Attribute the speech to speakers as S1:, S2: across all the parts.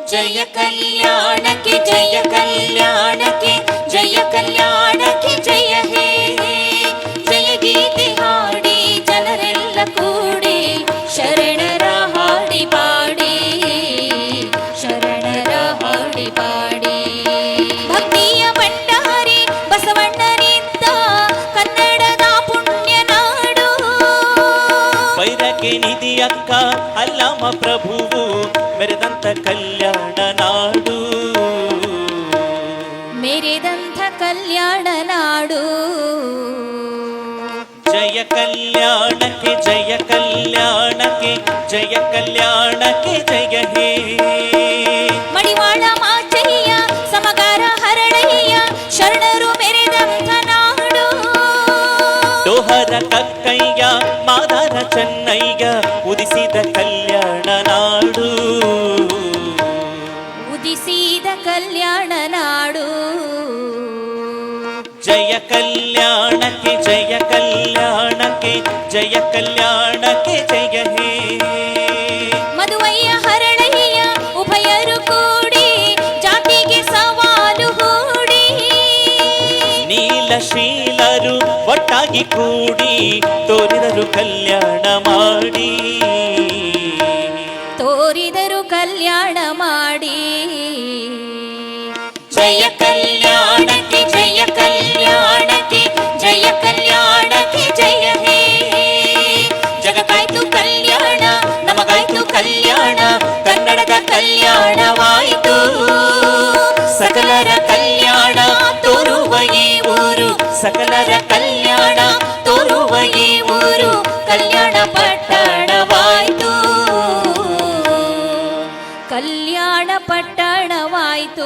S1: ಜಯ ಕಲ್ಯಾಣಕ್ಕೆ ಜಯ ಕಲ್ಯಾಣಕ್ಕೆ ಜಯ ಕಲ್ಯಾಣಕ್ಕೆ ಜಯ ಹೇ ಜಯ ಗೀತೆ ಹಾಡಿ ಜನರೆಲ್ಲ ಕೂಡಿ ಶರಣರ ಹಾಡಿ ಪಾಡಿ ಶರಣರ ಹಾಡಿ ಪಾಡಿ ಭಕ್ತಿಯ ಭಂಡಾರಿ ಬಸವಣ್ಣನಿದ್ದ ಕನ್ನಡದ ಪುಣ್ಯ ನಾಡು
S2: ವೈರಕ್ಕೆ ನಿಧಿಯಕ್ಕ ಅಲ್ಲಮ ಪ್ರಭುವು ಮೆರೆದಂತ ಕಲ್ಯಾಣ ನಾಡು
S1: ಮೆರೆದಂಥ ಕಲ್ಯಾಣ ನಾಡು
S2: ಜಯ ಕಲ್ಯಾಣಕ್ಕೆ ಜಯ ಕಲ್ಯಾಣಕ್ಕೆ ಜಯ ಕಲ್ಯಾಣಕ್ಕೆ ಜಯ ಹೇ
S1: ಮಡಿವಾಳ ಮಾಚಯ್ಯ ಸಮಗಾರ ಹರಳಯ್ಯ ಶರಣರು ಮೆರೆದಂಥ ನಾಡು
S2: ಡೋಹರ ಕಕ್ಕಯ್ಯ ಮಾದಾರ ಚೆನ್ನಯ್ಯ ಉದಿಸಿದ ಕಲ್ಯಾಣ ನಾಡು
S1: ಉದಿಸಿದ ಕಲ್ಯಾಣ ನಾಡು
S2: ಜಯ ಕಲ್ಯಾಣಕ್ಕೆ ಜಯ ಕಲ್ಯಾಣಕ್ಕೆ ಜಯ ಕಲ್ಯಾಣಕ್ಕೆ ಜಯ ಹೇ
S1: ಮದುವಯ್ಯ ಹರಳಯ್ಯ ಉಭಯರು ಕೂಡಿ ಜಾತಿಗೆ ಸವಾಲು ಹೂಡಿ
S2: ನೀಲಶೀಲರು ಒಟ್ಟಾಗಿ ಕೂಡಿ ತೋರಿದರು ಕಲ್ಯಾಣ ಮಾಡಿ
S1: ತೋರಿದರು ಕಲ್ಯಾಣ ಮಾಡಿ ಜಯ ಕಲ್ಯಾಣಕ್ಕೆ ಜಯ ಕಲ್ಯಾಣಕ್ಕೆ ಜಯ ಕಲ್ಯಾಣಕ್ಕೆ ಜಯ ಹೇ ಜಗಕ್ಕಾಯ್ತು ಕಲ್ಯಾಣ ನಮಗಾಯ್ತು ಕಲ್ಯಾಣ ಕನ್ನಡದ ಕಲ್ಯಾಣವಾಯಿತು ಸಕಲರ ಕಲ್ಯಾಣ ತೋರುವ ಈ ಊರು ಸಕಲರ ಕಲ್ಯಾಣ ತೋರುವ ಈ ಊರು ಕಲ್ಯಾಣ ಪಟ್ಟಣವಾಯಿತು ಕಲ್ಯಾಣ ಪಟ್ಟಣವಾಯಿತು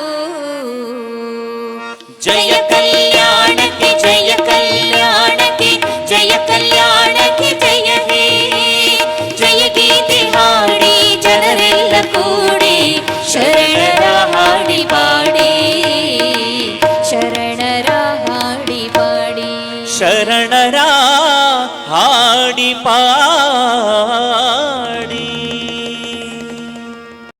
S1: ಜಯ ಕಲ್ಯಾಣಕ್ಕೆ ಜಯ ಕಲ್ಯಾಣಕ್ಕೆ ಜಯ ಕಲ್ಯಾಣಕ್ಕೆ ಜಯ ಹೇ ಜಯ ಗೀತೆ ಹಾಡಿ ಜನರೆಲ್ಲ ಕೂಡಿ ಶರಣರ ಹಾಡಿ ಪಾಡಿ ಶರಣರ ಹಾಡಿ ಪಾಡಿ
S2: ಶರಣರ ಹಾಡಿ ಪಾಡಿ